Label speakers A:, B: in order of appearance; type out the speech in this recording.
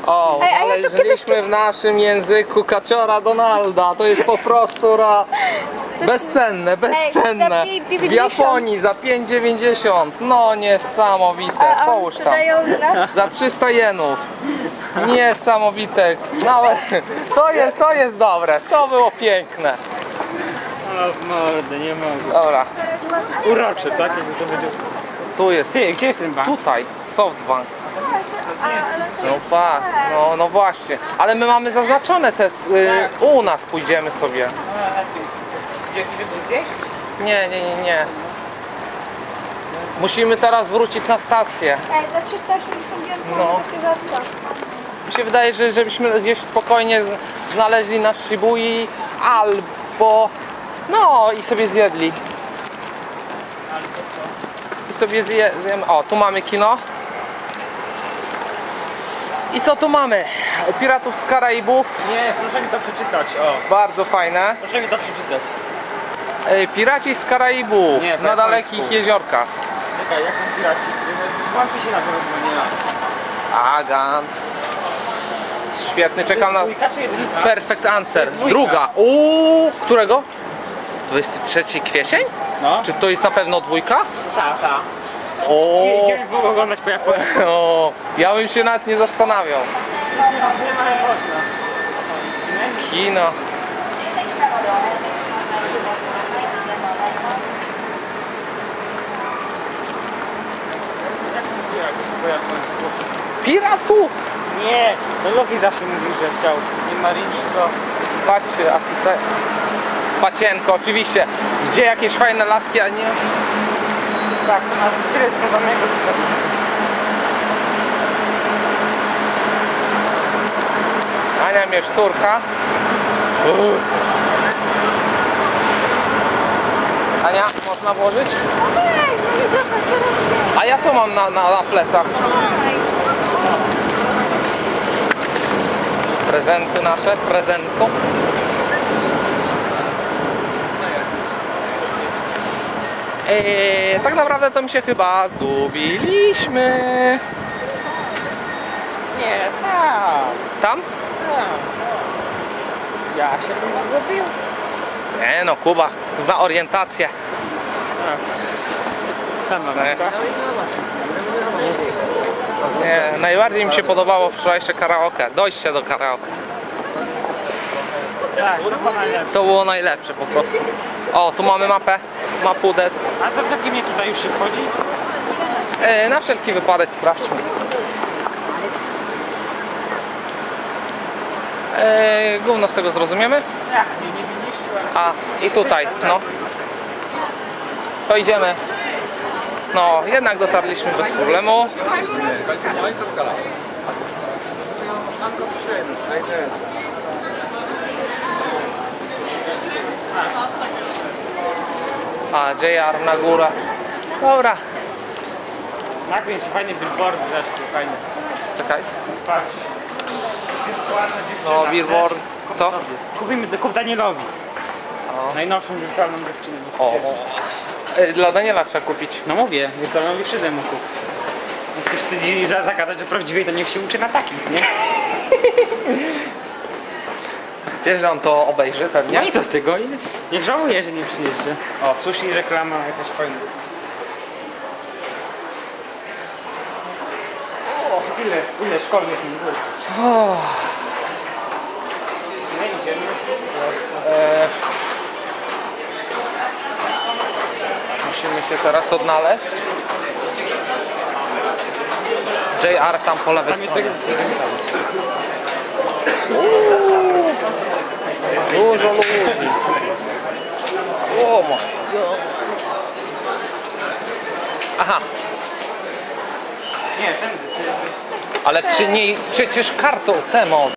A: O, znaleźliśmy w naszym języku kaczora Donalda. To jest po prostu bezcenne, bezcenne. W Japonii za 5,90. No niesamowite. Połóż tam. Za 300 jenów. Niesamowite. Nawet to jest dobre. To było piękne.
B: O mordę, nie mogę.
A: Dobra.
B: Urocze, tak? Jakby to będzie...
A: Tu jest.
B: Ty, gdzie jest ten bank?
A: Tutaj. Softbank. No pa, no właśnie. Ale my mamy zaznaczone te... u nas pójdziemy sobie.
B: Gdzie chcecie coś zjeść?
A: Nie. Musimy teraz wrócić na stację.
C: Znaczy też
A: No. Mi się wydaje, że żebyśmy gdzieś spokojnie znaleźli na Shibui albo... No i sobie zjedli. I sobie zjemy. O, tu mamy kino. I co tu mamy? Piratów z Karaibów.
B: Nie, proszę mi to przeczytać, o.
A: Bardzo fajne.
B: Proszę mi to przeczytać.
A: Piraci z Karaibów
B: Nie,
A: na dalekich jeziorkach.
B: Czekaj, jak są piraci? Łapie się na pewno, nie ma.
A: Agans. Świetny, czekam na...
B: Dwójka czy jedynka?
A: Perfect answer.
B: dwójka.
A: Druga. Którego? 23 kwiecień?
B: No.
A: Czy to jest na pewno dwójka?
B: Ta.
A: O,
B: Nie, idziemy oglądać po japońsku.
A: o, ja bym się nawet nie zastanawiał.
B: Nie ma japońska.
A: Kino.
B: Po japońsku.
A: Piratu!
B: Nie, no Luffy zawsze mówił, że chciał. Nie Marini, to...
A: Patrzcie, a tutaj... Pacienko, oczywiście. Gdzie jakieś fajne laski, a nie...
B: Tak, to nawet tyle związanego z tym.
A: Ania mnie szturka. Ania, można włożyć? A ja to mam na plecach. Prezenty nasze, prezento. Tak naprawdę to mi się chyba zgubiliśmy.
B: Nie, tam.
A: Tam?
B: Ja się bym zgubił.
A: Nie no, Kuba zna orientację.
B: Tam mam
A: Nie, najbardziej mi się podobało wczorajsze karaoke, dojście do karaoke.
B: Tak,
A: To było najlepsze po prostu. O, tu mamy mapę, Mapudes.
B: a za takim nie tutaj już się wchodzi?
A: Na wszelki wypadek sprawdźmy. Gówno z tego zrozumiemy?
B: Jak, nie widzisz?
A: A, i tutaj, no. To idziemy. No, jednak dotarliśmy bez problemu. A, JR na górę. Dobra.
B: Nagle się fajnie billboard zresztą, fajnie.
A: Czekaj.
B: Patrz.
A: No, billboard. Co?
B: Kup Danielowi. Najnowszą wirtualną dziewczynę.
A: O. Dla Daniela trzeba kupić.
B: No mówię, wirtualną dziewczynę mu kup. On się wstydzi zagadać, że prawdziwej to niech się uczy na takich, nie?
A: Wiesz, że on to obejrzy pewnie?
B: No i co z tego? Niech żałuje, że nie przyjeżdża. O, sushi, reklama jakaś fajna. O, ile szkolnych mi było. Nie idziemy.
A: Musimy się teraz odnaleźć. JR tam po lewej
B: Tam jest
A: stronie. Dużo ludzi. O my God. Aha,
B: Nie, ten.
A: ale przy niej przecież kartą temu.